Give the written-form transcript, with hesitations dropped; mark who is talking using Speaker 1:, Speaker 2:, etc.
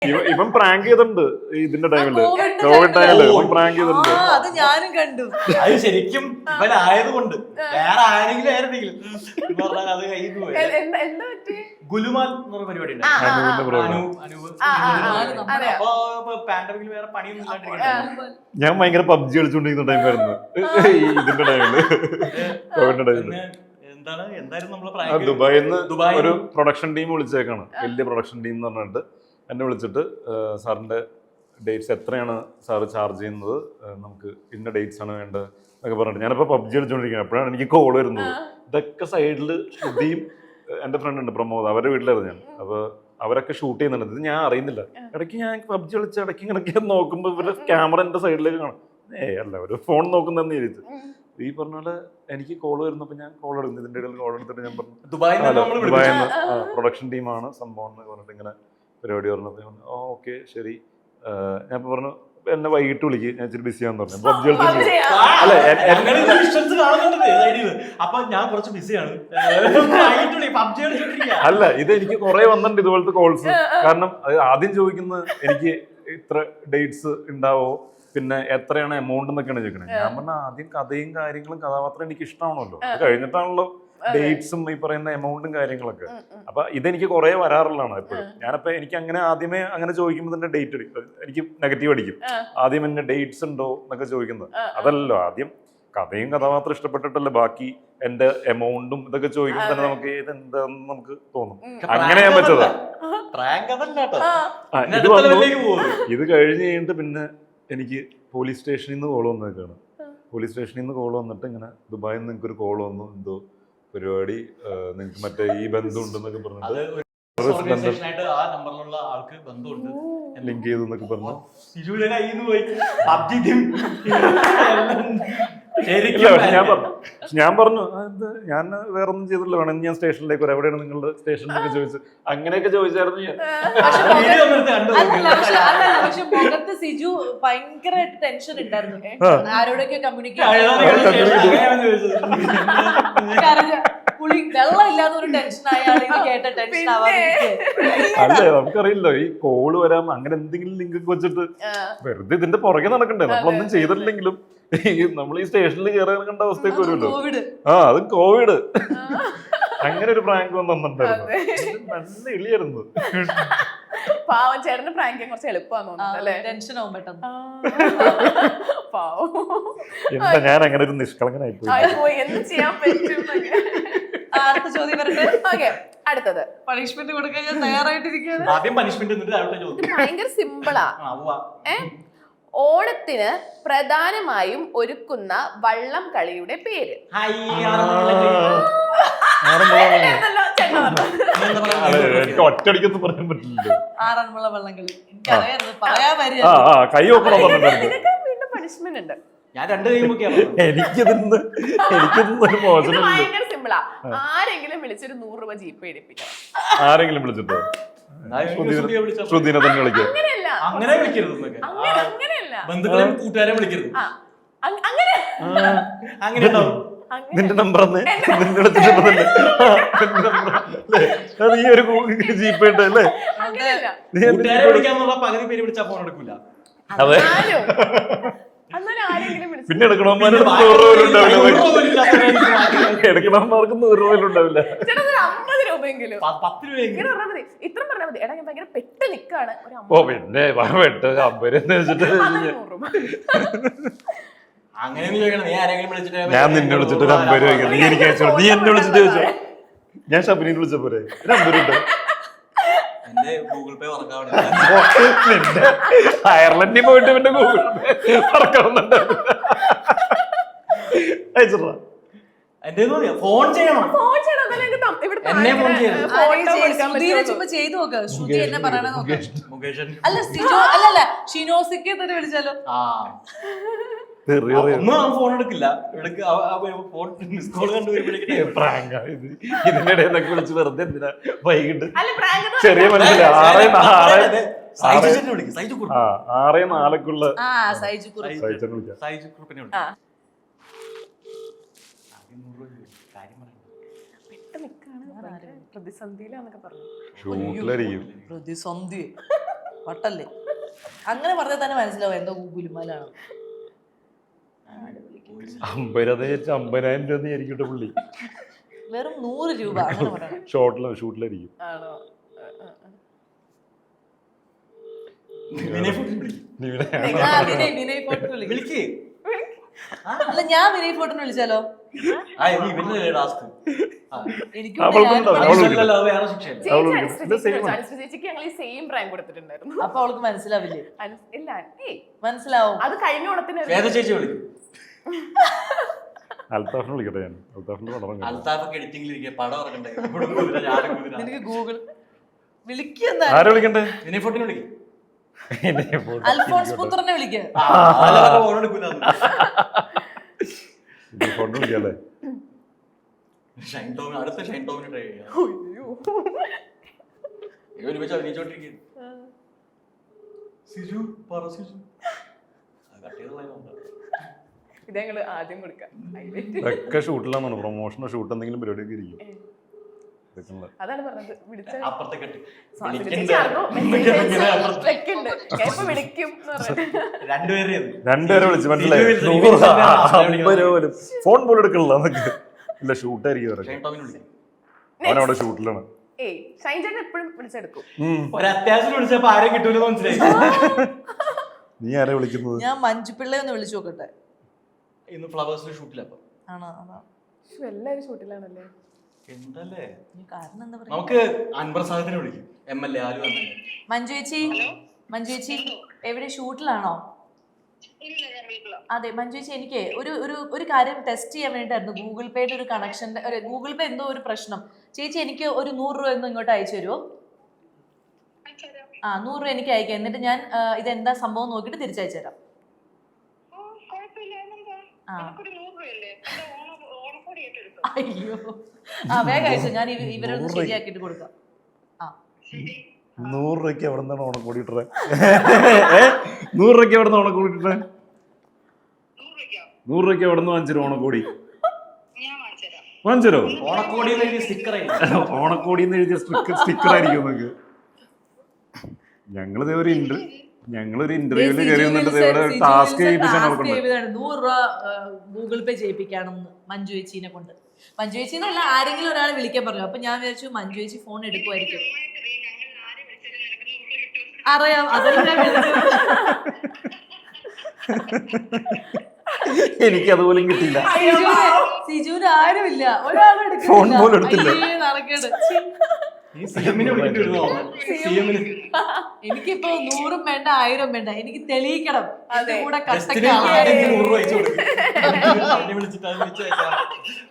Speaker 1: ഇവൻ പ്രാങ്ക് ചെയ്തിട്ടുണ്ട് ഇതിന്റെ ടൈമില്, കോവിഡ് ടൈമില് ഇവൻ പ്രാങ്ക് ചെയ്തിട്ടുണ്ട്.
Speaker 2: അത് ഞാനും കണ്ടു.
Speaker 3: അത് ശരിക്കും ഇവനായതുകൊണ്ട് വേറെ ആരെങ്കിലും ആയിരുന്നെങ്കിലും അത് കയ്യിൽ പോയി. ഗുലുമാൽ എന്ന് പറഞ്ഞ പരിപാടി ഉണ്ട്. അപ്പൊ പാൻഡമിക്കിൽ വേറെ പണിയൊന്നും ഇല്ലാണ്ടിരിക്കട്ടെ.
Speaker 1: ഞാൻ ഭയങ്കര പബ്ജി കളിച്ചോണ്ടിരിക്കുന്ന ടൈമായിരുന്നു ഇതിന്റെ ടൈമില്, കോവിഡിന്റെ ടൈമില്.
Speaker 3: എന്തായിരുന്നു
Speaker 1: ദുബായിൽ നിന്ന് ഒരു പ്രൊഡക്ഷൻ ടീം വിളിച്ചേക്കാണ്, വലിയ പ്രൊഡക്ഷൻ ടീം എന്ന് പറഞ്ഞിട്ട് എന്നെ വിളിച്ചിട്ട് സാറിന്റെ ഡേറ്റ്സ് എത്രയാണ് സാറ് ചാർജ് ചെയ്യുന്നത്, നമുക്ക് ഇന്ന ഡേറ്റ്സ് ആണ് വേണ്ടത് എന്നൊക്കെ പറഞ്ഞിട്ട്. ഞാനിപ്പോ പബ്ജി കളിച്ചോണ്ടിരിക്കുന്നത്, അപ്പോഴാണ് എനിക്ക് കോൾ വരുന്നത്. ഇതൊക്കെ സൈഡില് ശ്രുതിയും എന്റെ ഫ്രണ്ട് ഉണ്ട് പ്രമോദ്, അവരുടെ വീട്ടിലായിരുന്നു ഞാൻ. അപ്പൊ അവരൊക്കെ ഷൂട്ട് ചെയ്യുന്നുണ്ട്, ഇത് ഞാൻ അറിയുന്നില്ല. ഇടയ്ക്ക് ഞാൻ പബ്ജി കളിച്ച് ഇടയ്ക്ക് നോക്കുമ്പോ ഇവരുടെ ക്യാമറ എന്റെ സൈഡിലേക്ക് കാണും. അല്ല, ഒരു ഫോൺ നോക്കുന്നതെന്ന് വിചാരിച്ചു. ഈ പറഞ്ഞ പോലെ എനിക്ക് കോൾ വരുന്നപ്പോ ഞാൻ കോൾ എടുക്കുന്നു. ഇതിന്റെ ഇടയിൽ കോൾ എടുത്തിട്ട് ഞാൻ പറഞ്ഞു ദുബായിൽ നിന്ന് പ്രൊഡക്ഷൻ ടീമാണ് സംഭവം എന്ന് പറഞ്ഞിട്ട് ഇങ്ങനെ പരിപാടി പറഞ്ഞപ്പോ ഓക്കെ ശരി. ഞാൻ പറഞ്ഞു എന്നെ വൈകിട്ട് വിളിക്കും, ഞാൻ ഇച്ചിരി ബിസിയാന്ന് പറഞ്ഞു. പബ്ജി
Speaker 3: അപ്പൊ ഞാൻ കുറച്ച് ബിസിയാണ്.
Speaker 1: അല്ല, ഇത് എനിക്ക് കുറെ വന്നിട്ടുണ്ട് ഇതുപോലത്തെ കോൾസ്. കാരണം ആദ്യം ചോദിക്കുന്നത് എനിക്ക് ഇത്ര ഡേറ്റ്സ് ഉണ്ടാവോ, പിന്നെ എത്രയാണ് എമൗണ്ട് എന്നൊക്കെയാണ് ചോദിക്കണത്. ഞാൻ പറഞ്ഞ ആദ്യം കഥയും കാര്യങ്ങളും കഥാപാത്രം എനിക്ക് ഇഷ്ടമാണല്ലോ, അത് കഴിഞ്ഞിട്ടാണല്ലോ ഡേറ്റ്സും ഈ പറയുന്ന എമൗണ്ടും കാര്യങ്ങളൊക്കെ. അപ്പൊ ഇതെനിക്ക് കുറെ വരാറുള്ളതാണ് എപ്പോഴും. ഞാനപ്പോ എനിക്ക് അങ്ങനെ ആദ്യമേ അങ്ങനെ ചോദിക്കുമ്പോൾ തന്നെ ഡേറ്റ് എനിക്ക് നെഗറ്റീവ് അടിക്കും. ആദ്യം എന്നെ ഡേറ്റ്സ് ഉണ്ടോ എന്നൊക്കെ ചോദിക്കുന്നത്. അതല്ലല്ലോ, ആദ്യം കഥയും കഥാപാത്രം ഇഷ്ടപ്പെട്ടിട്ടല്ലേ ബാക്കി എന്റെ എമൗണ്ടും ഇതൊക്കെ ചോദിക്കുമ്പോൾ തന്നെ നമുക്ക് ഇതെന്താന്ന് നമുക്ക് തോന്നും. അങ്ങനെ ഞാൻ വെച്ചതാ. ഇത് കഴിഞ്ഞ് കഴിഞ്ഞിട്ട് പിന്നെ എനിക്ക് പോലീസ് സ്റ്റേഷനിൽ നിന്ന് കോൾ വന്നേക്കാണ്. പോലീസ് സ്റ്റേഷനിൽ നിന്ന് കോൾ വന്നിട്ട് ഇങ്ങനെ ദുബായിൽ നിന്ന് നിങ്ങൾക്കൊരു കോൾ വന്നു, എന്തോ പരിപാടി, നിങ്ങൾക്ക് മറ്റേ ഈ ബന്ധം ഉണ്ടെന്നൊക്കെ പറഞ്ഞിട്ട് ലിങ്ക് ചെയ്തു എന്നൊക്കെ പറഞ്ഞു. ഞാൻ പറഞ്ഞു ഞാൻ വേറെ ഒന്നും ചെയ്തില്ല, വേണമെങ്കിൽ ഞാൻ സ്റ്റേഷനിലേക്ക് വരാം, എവിടെയാണ് നിങ്ങളുടെ സ്റ്റേഷനിലൊക്കെ ചോദിച്ചു. അങ്ങനെയൊക്കെ ചോദിച്ചായിരുന്നു ഞാൻ.
Speaker 2: പക്ഷെ മുഖത്ത് സിജു ഭയങ്കരമായിട്ട് ടെൻഷൻ ഉണ്ടായിരുന്നു, ആരോടൊക്കെ കമ്മ്യൂണിക്കേറ്റ് വെള്ളം ഇല്ലാത്ത ഒരു ടെൻഷൻ ആയാലും കേട്ട ടെൻഷൻ ആവാതെ.
Speaker 1: അല്ലേ, നമുക്കറിയില്ല ഈ കോള് വരാം, അങ്ങനെ എന്തെങ്കിലും ലിങ്ക് ഒക്കെ വെച്ചിട്ട് വെറുതെ ഇതിന്റെ പുറകെ നടക്കണ്ടേ. നമ്മളൊന്നും ചെയ്തിട്ടില്ലെങ്കിലും നമ്മൾ ഈ സ്റ്റേഷനിൽ കയറി ഇറങ്ങേണ്ട അവസ്ഥയൊക്കെ വരുമല്ലോ. അത് കോവിഡ്. അങ്ങനെ ഒരു പ്രാങ്ക് വന്നിട്ടുണ്ടായിരുന്നു, നല്ല ഇളിയായിരുന്നു.
Speaker 4: പാവം ചേട്ടന് പ്രാങ്ക് കുറച്ച് എളുപ്പമാന്ന് തോന്നുന്നു,
Speaker 2: ടെൻഷൻ ആവും പെട്ടെന്ന്.
Speaker 1: എന്താ ഞാൻ അങ്ങനെ ഒരു നിഷ്കളങ്കനായി
Speaker 4: പോയി, എന്ത് ചെയ്യാൻ പറ്റും.
Speaker 2: അടുത്ത ചോദ്യം വരട്ടെ.
Speaker 4: അടുത്തത്
Speaker 2: പണിഷ്മെന്റ് കൊടുക്കാൻ ഞാൻ തയ്യാറായിട്ടിരിക്കുകയാണ്.
Speaker 4: ഭയങ്കര സിമ്പിളാ. ഓണത്തിന് പ്രധാനമായും ഒരുക്കുന്ന വള്ളം കളിയുടെ പേര്.
Speaker 1: എനിക്ക് ഒറ്റടിക്കൊന്നും പറയാൻ പറ്റില്ലല്ലോ.
Speaker 2: ആറന്മുള വള്ളംകളി എനിക്കറിയാം, പറയാൻ
Speaker 1: കൈ നോക്കണം.
Speaker 4: വീണ്ടും പണിഷ്മെന്റ് ഉണ്ട്.
Speaker 3: ഞാൻ രണ്ട് കൈമൊക്കെയാണ്.
Speaker 1: എനിക്കിതൊന്ന് ഒരു മോശം.
Speaker 4: ഭയങ്കര സിമ്പിളാ. ആരെങ്കിലും വിളിച്ചൊരു 100 രൂപ ജീപ്പ് എടുപ്പിക്കണം.
Speaker 1: ആരെങ്കിലും വിളിച്ചിട്ടോ? ശ്രുതിനെ തന്നെ വിളിക്കാം.
Speaker 3: അങ്ങനെ വിളിക്കരുത്, ബന്ധുക്കളെ കൂട്ടുകാരെ വിളിക്കരുത്. അങ്ങനെ
Speaker 1: നിന്റെ നമ്പർ നീ ഒരു ജീപ്പ് ഉണ്ട് അല്ലേ?
Speaker 3: കൂട്ടുകാരെ വിളിക്കാന്നുള്ള പകുതി പേര് വിളിച്ചാൽ ഫോൺ എടുക്കൂല.
Speaker 1: അതെ, പിന്നെ എടുക്കണമാർക്ക് 100 രൂപ ഉണ്ടാവില്ല.
Speaker 4: 50 രൂപയെങ്കിലും 10 രൂപയെങ്കിലും ഇത്ര പറഞ്ഞാൽ മതി. എടാ ഞാൻ ഭയങ്കര പെട്ട് നിക്കാണ്.
Speaker 1: ഓ പിന്നെ പെട്ട് 50 എന്ന് വെച്ചിട്ട് ഞാൻ നിന്നെ വിളിച്ചിട്ട് 50 രൂപ നീ എനിക്ക് അയച്ചോ. നീ എന്നെ വിളിച്ചിട്ട് ചോദിച്ചോ, ഞാൻ ഷബിനെ വിളിച്ച പോരെ 50 രൂപ.
Speaker 3: ഗൂഗിൾ പേ
Speaker 1: അയർലൻഡിൽ പോയിട്ട് പിന്നെ ഗൂഗിൾ പേ വർക്കാവുന്നുണ്ട്. അയച്ചിട്ടാ
Speaker 3: ഫോൺ ചെയ്യണം.
Speaker 2: ചെയ്തു നോക്ക്. ശ്രുതി എന്നെ പറയണ നോക്ക്. അല്ല സിജോ അല്ലല്ല ഷിനോസിക്ക് തന്നെ വിളിച്ചാലോ?
Speaker 3: ഫോൺ എടുക്കില്ല.
Speaker 1: ഇതിനിടെ വിളിച്ച് വെറുതെ എന്തിനാ വൈകിട്ട് ചെറിയ മനസ്സിലാ 6:04
Speaker 4: പ്രതിസന്ധിയിലാന്നൊക്കെ പറഞ്ഞു.
Speaker 1: ഷൂട്ടിലായിരിക്കും.
Speaker 2: പ്രതിസന്ധി വട്ടല്ലേ അങ്ങനെ പറഞ്ഞാൽ തന്നെ മനസ്സിലാവും എന്തോ ഗുലുമാലാണ്.
Speaker 1: 50,000 രൂപ ആയിരിക്കട്ടെ പുള്ളി.
Speaker 2: വെറും 100 രൂപ അങ്ങനെ പറയണം.
Speaker 1: ഷൂട്ടിലായിരിക്കും.
Speaker 4: ആണോ?
Speaker 2: വിനയ് ഫോർട്ട് വിളിക്ക്. അല്ല ഞാൻ വിനയ് ഫോർട്ടിനെ വിളിച്ചാലോ?
Speaker 4: ചേച്ചിക്ക് ഞങ്ങൾ ഈ സെയിം പ്രാങ്ക് കൊടുത്തിട്ടുണ്ടായിരുന്നു.
Speaker 2: അപ്പൊ അവൾക്ക് മനസ്സിലാവില്ലേ?
Speaker 4: ഇല്ല
Speaker 2: മനസ്സിലാവും.
Speaker 4: അത് കഴിഞ്ഞ ഓണത്തിന്
Speaker 3: ചേച്ചി വിളിക്കും.
Speaker 1: അൽത്താഫിനെ വിളിക്കട്ടെ ഞാൻ. അൽത്താഫിന്റെ പടം
Speaker 3: അൽത്താഫൊക്കെ എഡിറ്റിംഗിലിരിക്കുക, പടം ഇറക്കണ്ടേ.
Speaker 2: നിനക്ക് ഗൂഗിൾ വിളിക്കുന്ന
Speaker 1: ആരെ വിളിക്കണ്ടേ?
Speaker 3: വിനയ് ഫോർട്ടിനെ വിളിക്കും.
Speaker 2: അൽഫോൺസ് പുത്രനെ വിളിക്കുക.
Speaker 1: ഫോട്ടോ വിളിക്കല്ലേ?
Speaker 3: അടുത്ത ഷൈൻ ടോമിന് ട്രൈ ചെയ്യാം. ഒരുമിച്ച് അഭിനയിച്ചോണ്ടിരിക്കുന്നു.
Speaker 4: ഇത് ഞങ്ങള് ആദ്യം കൊടുക്കാം.
Speaker 1: ഒക്കെ ഷൂട്ടിലാണെന്ന് പ്രൊമോഷനോ ഷൂട്ട് എന്തെങ്കിലും പരിപാടിയൊക്കെ ഇരിക്കും.
Speaker 4: അതാണ് പറഞ്ഞത്. വിളിച്ച
Speaker 3: അപ്പുറത്തെ കെട്ടി
Speaker 1: രണ്ടുപേരെ വിളിച്ച് മനസ്സിലായി. ഫോൺ പോലും എടുക്കണില്ല എന്നൊക്കെ. ഇല്ല ഷൂട്ടായിരിക്കും. അവനവിടെ ഷൂട്ടിലാണ്.
Speaker 4: എപ്പോഴും വിളിച്ചെടുക്കും.
Speaker 3: ഒരത്യാവശ്യം വിളിച്ചപ്പോ ആരെയും കിട്ടൂല മനസ്സിലായി.
Speaker 1: നീ ആരെ വിളിക്കുന്നത്?
Speaker 2: ഞാൻ മഞ്ജുപിള്ളയെ ഒന്ന് വിളിച്ചു നോക്കട്ടെ.
Speaker 3: ഇന്ന് ഫ്ലവേഴ്സിൽ ഷൂട്ടിലപ്പോ
Speaker 4: എല്ലാരും ഷൂട്ടിലാണല്ലേ.
Speaker 3: എന്തല്ലേ
Speaker 2: കാരണം എന്താ പറയാ,
Speaker 3: നമുക്ക് അൻവർ സാദത്തിനെ വിളിക്കും. MLA ആലു
Speaker 2: മഞ്ജു ചേച്ചി എവിടെ ഷൂട്ടിലാണോ? അതെ മഞ്ജു ചേച്ചി, എനിക്ക് ഒരു കാര്യം ടെസ്റ്റ് ചെയ്യാൻ വേണ്ടിയിട്ടായിരുന്നു. ഗൂഗിൾ പേയുടെ ഒരു കണക്ഷന്റെ ഗൂഗിൾ പേ എന്തോ ഒരു പ്രശ്നം. ചേച്ചി എനിക്ക് ഒരു 100 രൂപ ഒന്നും ഇങ്ങോട്ട് അയച്ചു തരുമോ? 100 രൂപ എനിക്ക് അയക്കാം. എന്നിട്ട് ഞാൻ ഇതെന്താ സംഭവം നോക്കിയിട്ട് തിരിച്ചയച്ചു തരാം. അയ്യോ വേഗം അയച്ചു. ഞാൻ ഇവരൊന്ന് ശരിയാക്കിട്ട് കൊടുക്കാം.
Speaker 1: 100 രൂപയ്ക്ക് എവിടെ നിന്നാണ് ഓണക്കോടി ഇട്ടേ? 100 രൂപയ്ക്ക് എവിടെ നിന്ന് ഓണക്കോടി ഇട്ടേ? 100 രൂപയ്ക്ക് എവിടെ നിന്ന് വാങ്ങിച്ചു ഓണക്കോടി? വാങ്ങിച്ചോ? ഓണക്കോടി എഴുതിയ സ്റ്റിക്കർ ആയിരിക്കും നിങ്ങൾക്ക്. ഞങ്ങളൊരു ഇന്റർവ്യൂവിൽ കയറി വന്നിട്ട് ടാസ്ക്
Speaker 2: 100 രൂപ ഗൂഗിൾ പേ ചെയ്യിപ്പിക്കാണെന്ന് മഞ്ജു ചേച്ചീനെ കൊണ്ട്. മഞ്ജു ചേച്ചിന്നല്ല, ആരെങ്കിലും ഒരാളെ വിളിക്കാൻ പറഞ്ഞു. അപ്പൊ ഞാൻ വിചാരിച്ചു മഞ്ജു ചേച്ചി ഫോൺ എടുക്കുമായിരിക്കും. അറിയാം, അതെല്ലാം ഞാൻ വിളിച്ചത്.
Speaker 1: എനിക്ക് അതുപോലും കിട്ടിയില്ല.
Speaker 2: സിജുവിന് ആരുമില്ല, ഒരാളും
Speaker 1: ഫോൺ പോലും എടുത്തില്ല.
Speaker 2: എനിക്കിപ്പോ 100 വേണ്ട 1000 വേണ്ട, എനിക്ക് തെളിയിക്കണം.
Speaker 3: കൂടെ